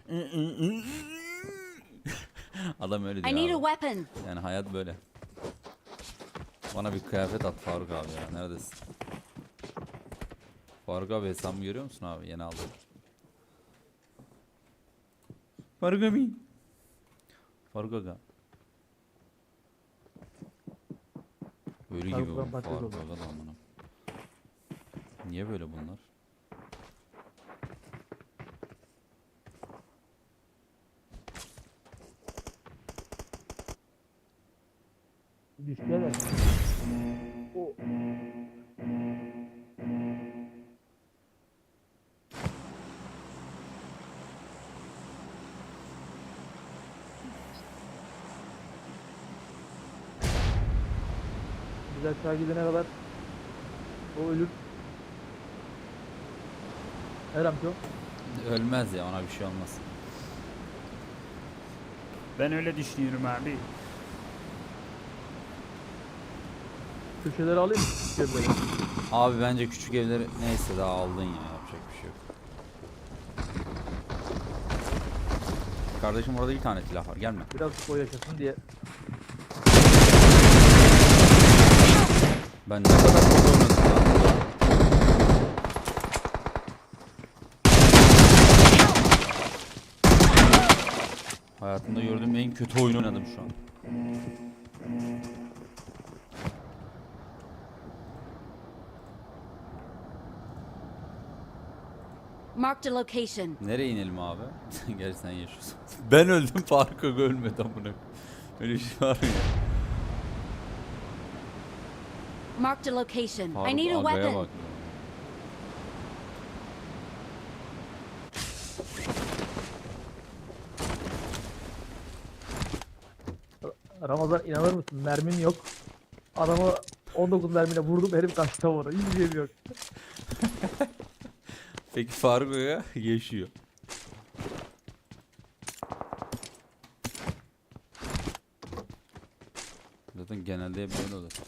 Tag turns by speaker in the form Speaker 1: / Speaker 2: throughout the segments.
Speaker 1: Adam öyle
Speaker 2: I
Speaker 1: diyor
Speaker 2: need a
Speaker 1: abi.
Speaker 2: weapon.
Speaker 1: Yani hayat böyle. Bana bir kıyafet at Faruk abi ya. Neredesin? Faruk abi hesabımı görüyor musun abi? Yeni aldım. Faruk abi. Faruk aga. Ölü gibi bu
Speaker 3: Faruk patates
Speaker 1: Faruk
Speaker 3: oldu.
Speaker 1: aga da amına. Niye böyle bunlar?
Speaker 3: Düşmeler. O. Biz aşağı gidene kadar o ölür. Her amca.
Speaker 1: Ölmez ya, ona bir şey olmaz.
Speaker 4: Ben öyle düşünüyorum abi.
Speaker 3: Köşeleri alayım mı? Köşeleri.
Speaker 1: Abi bence küçük evleri neyse daha aldın ya, yapacak bir şey yok. Kardeşim orada bir tane silah var, gelme.
Speaker 3: Biraz koy yaşasın diye.
Speaker 1: Ben ne kadar çok oynadım lan. Hayatımda gördüğüm en kötü oyun oynadım şu an.
Speaker 2: Marked a location.
Speaker 1: Nereye inelim abi? Gerçi sen yaşıyorsun. Ben öldüm, Faruk Aga ölmedi amına. Öyle bir şey var mı ya?
Speaker 2: Marked a location. I
Speaker 1: Faruk
Speaker 2: need a
Speaker 1: Aga'ya
Speaker 2: weapon.
Speaker 1: bak.
Speaker 3: Ramazan inanır mısın? Mermim yok. Adamı 19 mermiyle vurdum, herif kaçtı orada. Hiçbir şeyim yok.
Speaker 1: Peki Faruk Aga yaşıyor. Zaten genelde hep böyle olur.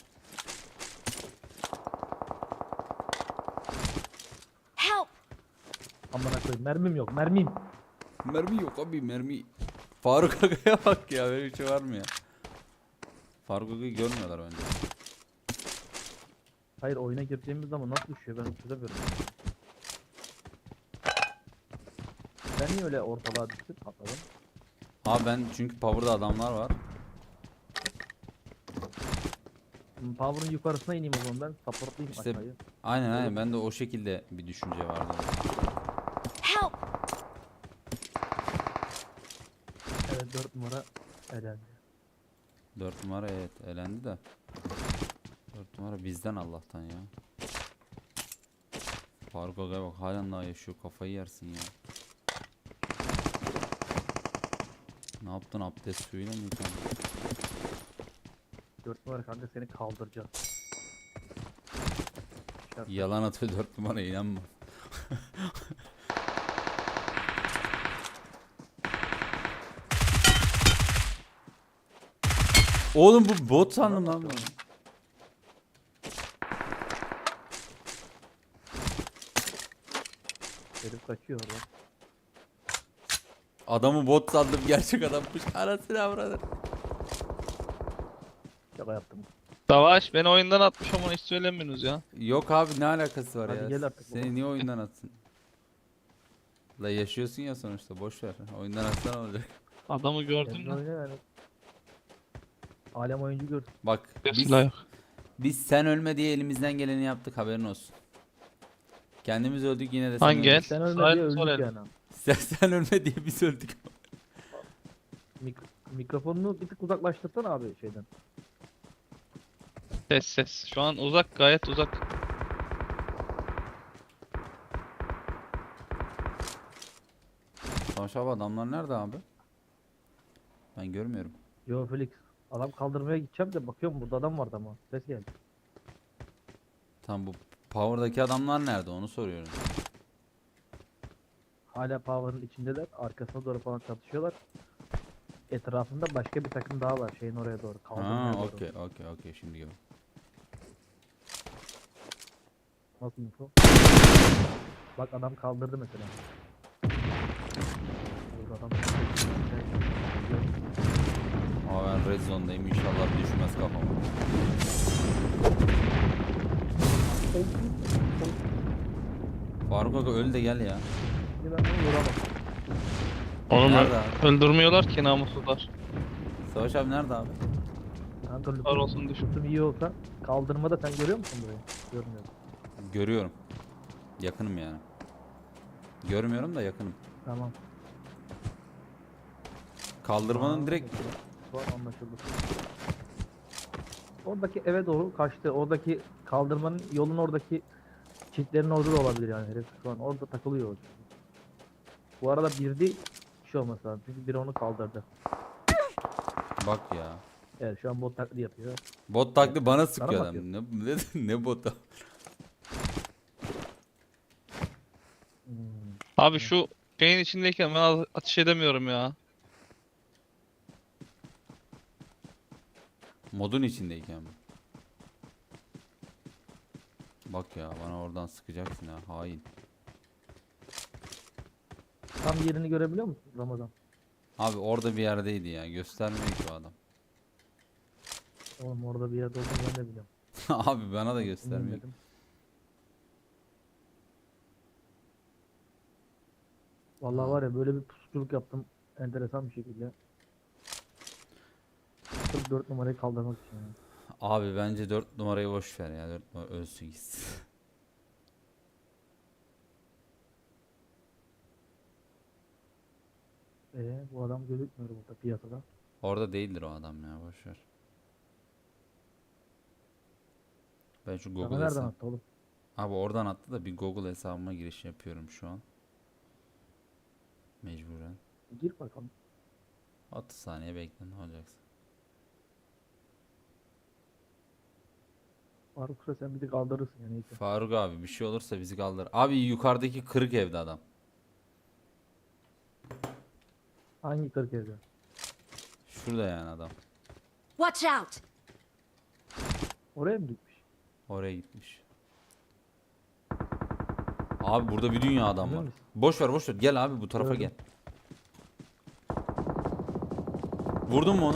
Speaker 2: Help!
Speaker 3: Amına koyayım, mermim yok, mermim.
Speaker 1: Mermi yok abi, mermi. Faruk Aga'ya bak ya, böyle bir şey var mı ya? Faruk Aga'yı görmüyorlar bence.
Speaker 3: Hayır, oyuna girdiğimiz zaman nasıl düşüyor ben çözemiyorum. Ben niye öyle ortalığa düştüm, atladım?
Speaker 1: Abi ben çünkü power'da adamlar var.
Speaker 3: Power'ın yukarısına ineyim o zaman ben. Supportlayayım
Speaker 1: İşte
Speaker 3: aşağıyı.
Speaker 1: aynen ben de o şekilde bir düşünce vardı.
Speaker 2: Help!
Speaker 3: Evet, 4 numara elendi.
Speaker 1: 4 numara evet elendi de. 4 numara bizden Allah'tan ya. Faruk Aga'ya bak, halen daha yaşıyor, kafayı yersin ya. Ne yaptın, abdest suyuyla mı yıkandın?
Speaker 3: 4 numara kanka seni kaldıracağız. Şart.
Speaker 1: Yalan atıyor 4 numara, inanma. Oğlum bu bot sandım lan ben.
Speaker 3: Herif kaçıyor orada.
Speaker 1: Adamı bot sandım, gerçek adammış. Anasını avradır.
Speaker 3: Şaka yaptım.
Speaker 5: Savaş beni oyundan atmış ama hiç söylemiyorsunuz ya.
Speaker 1: Yok abi, ne alakası var
Speaker 3: Hadi
Speaker 1: ya?
Speaker 3: gel artık
Speaker 1: Seni
Speaker 3: baba.
Speaker 1: niye oyundan atsın? La yaşıyorsun ya sonuçta, boş ver. Oyundan atsan olacak.
Speaker 5: Adamı gördün
Speaker 3: Kendin
Speaker 5: mü?
Speaker 3: oyna yani. Alem oyuncu gör.
Speaker 1: Bak biz,
Speaker 5: Silah yok.
Speaker 1: biz sen ölme diye elimizden geleni yaptık, haberin olsun. Kendimiz öldük yine de sen
Speaker 5: Hangi el?
Speaker 1: öldün.
Speaker 3: Sen ölme
Speaker 5: Sağ
Speaker 3: diye
Speaker 5: el, sol
Speaker 3: öldük
Speaker 5: el.
Speaker 3: yani.
Speaker 1: Sen ölme diye biz öldük.
Speaker 3: Mikrofonunu bir tık uzaklaştırsana abi şeyden.
Speaker 5: Ses ses. Şu an uzak, gayet uzak.
Speaker 1: Savaş abi, adamlar nerede abi? Ben görmüyorum.
Speaker 3: Yo Felix. Adam kaldırmaya gideceğim de bakıyorum burada adam vardı ama. Ses geldi.
Speaker 1: Tam bu power'daki adamlar nerede, onu soruyorum.
Speaker 3: Hala Power'ın içindeler. Arkasına doğru falan çatışıyorlar. Etrafında başka bir takım daha var. Şeyin oraya doğru. Kaldırmaya
Speaker 1: Ha,
Speaker 3: doğru.
Speaker 1: okey şimdi gör.
Speaker 3: Nasıl info? Bak adam kaldırdı mesela. Burada.
Speaker 1: red zone'dayım. İnşallah düşmez kafama. Faruk Aga öl de gel ya.
Speaker 3: Şimdi ben bunu vuramam.
Speaker 5: Onu
Speaker 1: Nerede abi?
Speaker 5: öldürmüyorlar ki namussuzlar.
Speaker 1: Savaş abi nerede abi?
Speaker 3: Kanka
Speaker 5: Var olsun düşün.
Speaker 3: lütfum iyi olsa kaldırmada sen görüyor musun burayı? Görmüyorum.
Speaker 1: Görüyorum. Yakınım yani. Görmüyorum da yakınım.
Speaker 3: Tamam.
Speaker 1: Kaldırmanın
Speaker 3: Tamam,
Speaker 1: direkt
Speaker 3: Şu an anlaşıldı. Oradaki eve doğru kaçtı. Oradaki kaldırmanın yolun oradaki çitlerin orada da olabilir yani herif. Şu an orada takılıyor. Bu arada bir kişi olması lazım. Çünkü biri onu kaldırdı.
Speaker 1: bak ya.
Speaker 3: Evet şu an bot taklidi yapıyor.
Speaker 1: Bot taklidi bana sıkıyor
Speaker 3: mı
Speaker 1: adam. Ne botu?
Speaker 3: Hmm.
Speaker 5: Abi şu şeyin içindeyken ben ateş edemiyorum ya.
Speaker 1: Modun içindeyken mi? Bak ya bana oradan sıkacaksın ha hain.
Speaker 3: Tam yerini görebiliyor musun Ramazan?
Speaker 1: Abi orada bir yerdeydi ya göstermiyor ki o adam.
Speaker 3: Oğlum orada bir yerde olduğunu ben de biliyorum.
Speaker 1: Abi bana da göstermiyor.
Speaker 3: Bilmedim. Vallahi var ya böyle bir pusuculuk yaptım enteresan bir şekilde. 44 numarayı kaldırmak için yani.
Speaker 1: Abi bence 4 numarayı boş ver ya 4 numara ölsün gitsin.
Speaker 3: Bu adam gözükmüyor burada piyasada.
Speaker 1: Orada değildir o adam ya boş ver. Ben şu
Speaker 3: Sana
Speaker 1: Google
Speaker 3: nereden
Speaker 1: hesabı.
Speaker 3: attı oğlum?
Speaker 1: Abi oradan attı da bir Google hesabıma giriş yapıyorum şu an. Mecburen.
Speaker 3: Gir bakalım.
Speaker 1: 30 saniye bekle ne olacaksa.
Speaker 3: Faruk Sıra sen bir de kaldırırsın yani. Neyse.
Speaker 1: Faruk abi bir şey olursa bizi kaldır. Abi yukarıdaki kırık evde adam.
Speaker 3: Hangi 40 evde?
Speaker 1: Şurada yani adam.
Speaker 2: Watch out!
Speaker 3: Oraya mı gitmiş?
Speaker 1: Oraya gitmiş. Abi burada bir dünya adam
Speaker 3: Emin
Speaker 1: var.
Speaker 3: misin?
Speaker 1: Boş ver boş ver. Gel abi bu tarafa
Speaker 3: Gördüm.
Speaker 1: gel. Vurdun mu onu?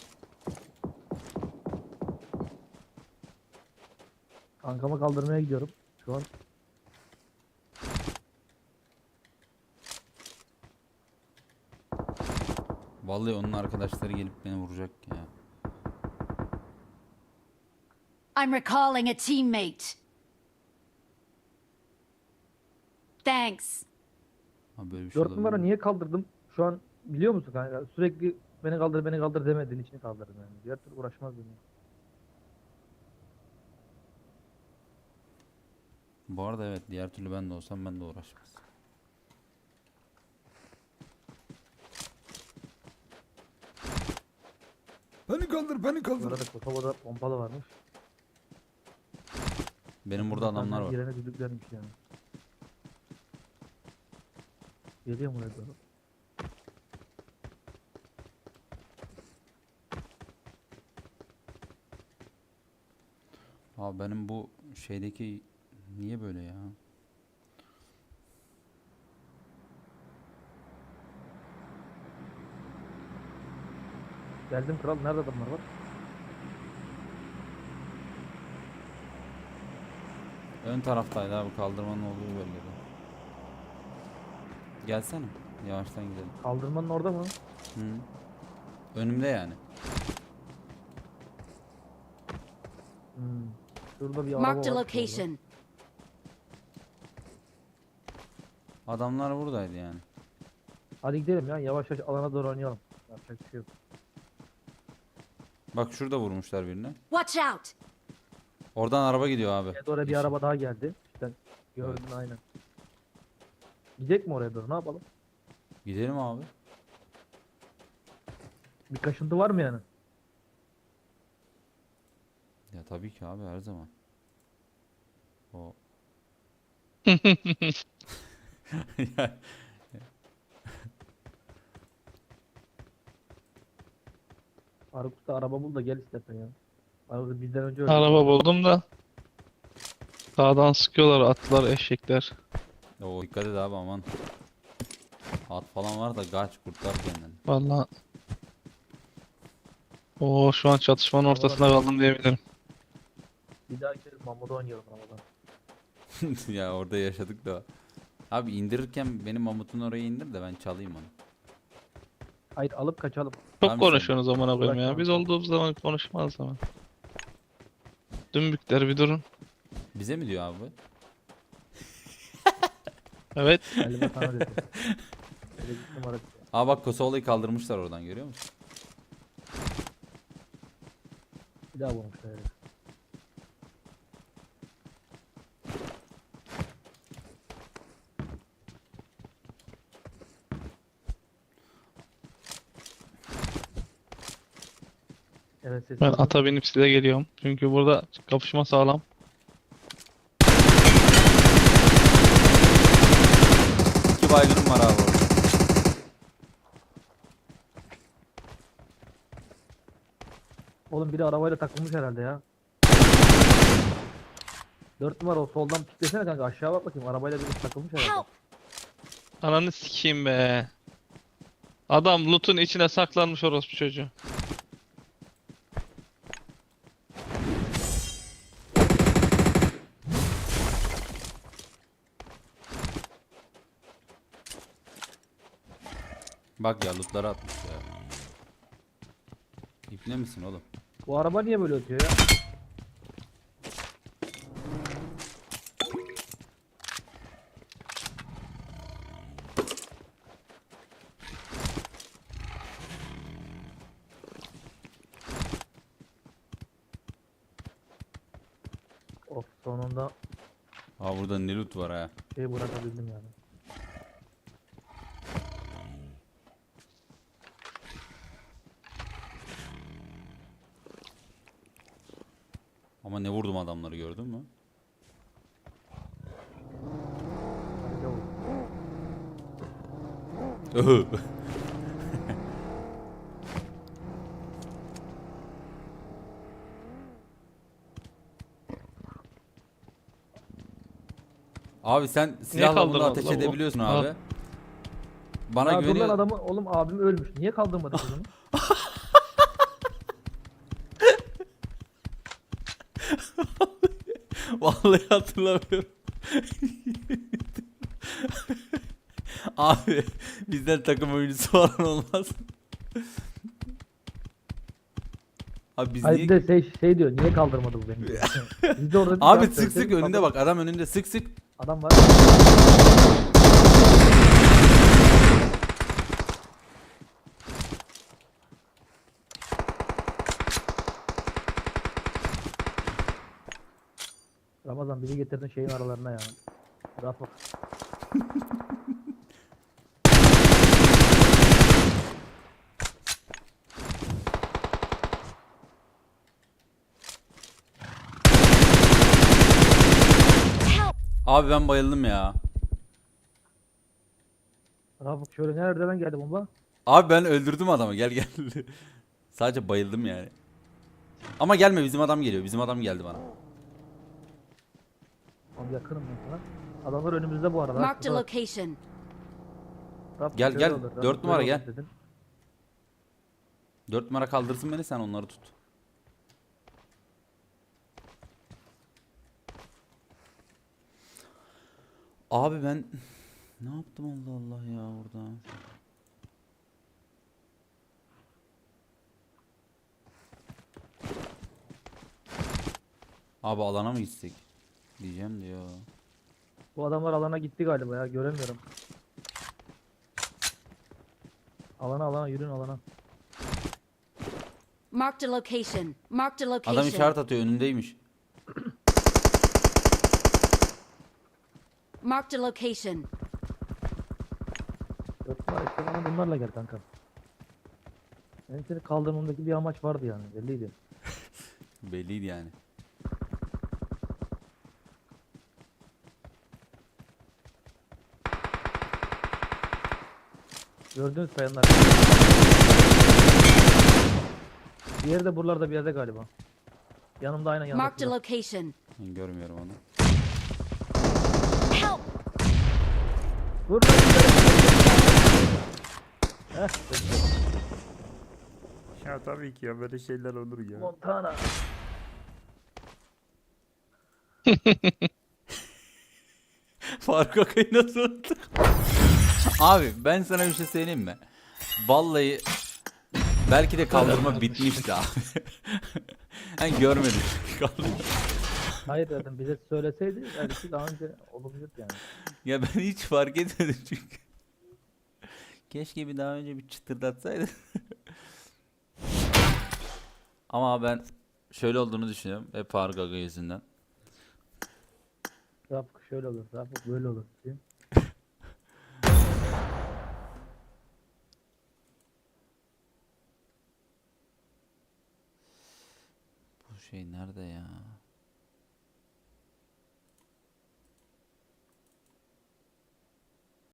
Speaker 3: Kankama kaldırmaya gidiyorum. Şu an
Speaker 1: Vallahi onun arkadaşları gelip beni vuracak ya.
Speaker 2: I'm recalling a teammate. Thanks.
Speaker 1: Abi böyle bir şey
Speaker 3: 4 numara
Speaker 1: olabilir mi?
Speaker 3: niye kaldırdım? Şu an biliyor musun kanka? Sürekli beni kaldır demediğin için kaldırdım yani. Diğer türlü uğraşmazdım ya.
Speaker 1: Bu arada evet diğer türlü ben de olsam ben de uğraşmaz. Beni kaldır beni
Speaker 3: Bu
Speaker 1: kaldır.
Speaker 3: arada Kosova'da pompalı varmış.
Speaker 1: Benim burada adamlar var.
Speaker 3: Girene düdüklermiş yani. Geliyor mu oraya doğru?
Speaker 1: Abi benim bu şeydeki niye böyle ya?
Speaker 3: Geldim kral. Nerede adamlar var?
Speaker 1: Ön taraftaydı abi kaldırmanın olduğu bölgede. Gelsene. Yavaştan gidelim.
Speaker 3: Kaldırmanın orada mı?
Speaker 1: Hı. Önümde yani.
Speaker 3: Hmm. Şurada bir araba
Speaker 2: Marked a
Speaker 3: var.
Speaker 2: location.
Speaker 1: Adamlar buradaydı yani.
Speaker 3: Hadi gidelim ya. Yavaş yavaş alana doğru oynayalım. Yapacak bir şey yok.
Speaker 1: Bak şurada vurmuşlar birini.
Speaker 2: Watch out!
Speaker 1: Oradan araba gidiyor abi.
Speaker 3: Evet, oraya bir
Speaker 1: Yeşil.
Speaker 3: araba daha geldi. İşte gördün aynen. Gidecek mi oraya doğru? Ne yapalım?
Speaker 1: Gidelim abi.
Speaker 3: Bir kaşıntı var mı yani?
Speaker 1: Ya tabii ki abi her zaman. O. Ya,
Speaker 3: Faruk Usta araba bul da gel istersen ya. Faruk bizden önce öldü.
Speaker 5: Araba buldum da. Sağdan sıkıyorlar atlar eşekler.
Speaker 1: o dikkat et abi aman. At falan var da kaç kurtar kendini.
Speaker 5: Vallahi Oo şu an çatışmanın ortasında kaldım diyebilirim.
Speaker 3: Bir daha kez Mamuda oynayalım Ramazan.
Speaker 1: Ya orada yaşadık da. Abi indirirken benim mamutun oraya indir de ben çalayım onu.
Speaker 3: Hayır alıp kaçalım.
Speaker 5: Çok
Speaker 1: Tamam,
Speaker 5: konuşuyorsunuz amına koyayım ya.
Speaker 3: Bırak
Speaker 5: Biz
Speaker 3: lan.
Speaker 5: olduğumuz zaman konuşmaz zaman. Dümbükler bir durun.
Speaker 1: Bize mi diyor abi? bu?
Speaker 5: Evet.
Speaker 3: Galiba sana dedi. Öyle bir numara.
Speaker 1: Aa bak Kosova'yı kaldırmışlar oradan, görüyor musun?
Speaker 3: Bir daha vurmuşlar herif. Evet ses.
Speaker 5: Ben ata binip size geliyorum. Çünkü burada kapışma sağlam.
Speaker 1: İki baygınım var abi orada.
Speaker 3: Oğlum biri arabayla takılmış herhalde ya. 4 numara o soldan piklesene kanka, aşağı bak bakayım, arabayla biri takılmış herhalde.
Speaker 2: Help!
Speaker 5: Ananı sikeyim be. Adam loot'un içine saklanmış orospu çocuğu.
Speaker 1: Bak ya lootları atmış ya. İpne misin oğlum?
Speaker 3: Bu araba niye böyle ötüyor ya? Of, sonunda
Speaker 1: Aa burada ne loot var ha.
Speaker 3: şey bırakabildim yani.
Speaker 1: Ama ne vurdum adamları, gördün mü?
Speaker 3: Hadi oğlum.
Speaker 1: Öhü. Abi sen silahla bunu
Speaker 5: kaldırmadın
Speaker 1: ateş
Speaker 5: lan bu?
Speaker 1: edebiliyorsun
Speaker 5: Al.
Speaker 1: abi. Bana
Speaker 3: Aa, dur lan,
Speaker 1: güveniyor.
Speaker 3: adamı oğlum, abim ölmüş. Niye kaldırmadın kızını?
Speaker 1: Vallahi hatırlamıyorum. Abi bizden takım oyuncusu falan olmaz. Abi biz
Speaker 3: Hayır
Speaker 1: niye...
Speaker 3: bir de şey diyor, niye kaldırmadı bu beni? Biz de orada bir
Speaker 1: Abi
Speaker 3: cevap
Speaker 1: sık
Speaker 3: verseydik,
Speaker 1: sık önünde
Speaker 3: kaldır-
Speaker 1: bak, adam önünde sık sık.
Speaker 3: Adam var. Ramazan bizi getirdin şeyin aralarına ya. Rahat bak.
Speaker 2: Help!
Speaker 1: Abi ben bayıldım ya.
Speaker 3: Rahat bak, şöyle nereden geldi bomba?
Speaker 1: Abi ben öldürdüm adamı, gel gel. Sadece bayıldım yani. Ama gelme, bizim adam geliyor. Bizim adam geldi bana.
Speaker 3: Abi yakınım ben sana. Adamlar önümüzde bu arada.
Speaker 2: Marked a
Speaker 3: Şurada bak.
Speaker 2: location.
Speaker 3: Rahat
Speaker 1: Gel,
Speaker 3: şöyle
Speaker 1: gel.
Speaker 3: olur, rahat
Speaker 1: 4 numara
Speaker 3: böyle
Speaker 1: gel.
Speaker 3: olur dedin.
Speaker 1: 4 numara kaldırsın beni, sen onları tut. Abi ben ne yaptım Allah Allah ya orada. Abi alana mı gitsek? Diyeceğim diyor.
Speaker 3: Bu adamlar alana gitti galiba ya, göremiyorum. Alana yürüyün alana.
Speaker 2: Marked a location. Marked a location.
Speaker 1: Adam işaret atıyor, önündeymiş.
Speaker 2: Marked a location.
Speaker 3: 4 numara işte, bana bunlarla gel kanka. Benim seni kaldırmamdaki bir amaç vardı yani, belliydi.
Speaker 1: Belliydi yani.
Speaker 3: Gördünüz kayanlar. Diğeri de buralarda bir yerde galiba. Yanımda aynen yanımda.
Speaker 2: Marked a location.
Speaker 1: Ben görmüyorum onu.
Speaker 2: Help!
Speaker 3: Vur lan. Heh,
Speaker 4: Ya tabii ki ya böyle şeyler olur ya.
Speaker 3: Montana.
Speaker 1: Faruk Akay'ı nasıl unuttuk? Abi ben sana bir şey söyleyeyim mi? Vallahi belki de kaldırma bitmişti abi. Ben görmedim kaldırma.
Speaker 3: Hayır dedim bize söyleseydi belki daha önce olabilirdi yani.
Speaker 1: Ya ben hiç fark etmedim çünkü. Keşke bir daha önce bir çıtırdatsaydı. Ama ben şöyle olduğunu düşünüyorum. Hep Faruk Aga yüzünden.
Speaker 3: Rafık şöyle olur, Rafık böyle olur diye.
Speaker 1: Bu şey nerede ya?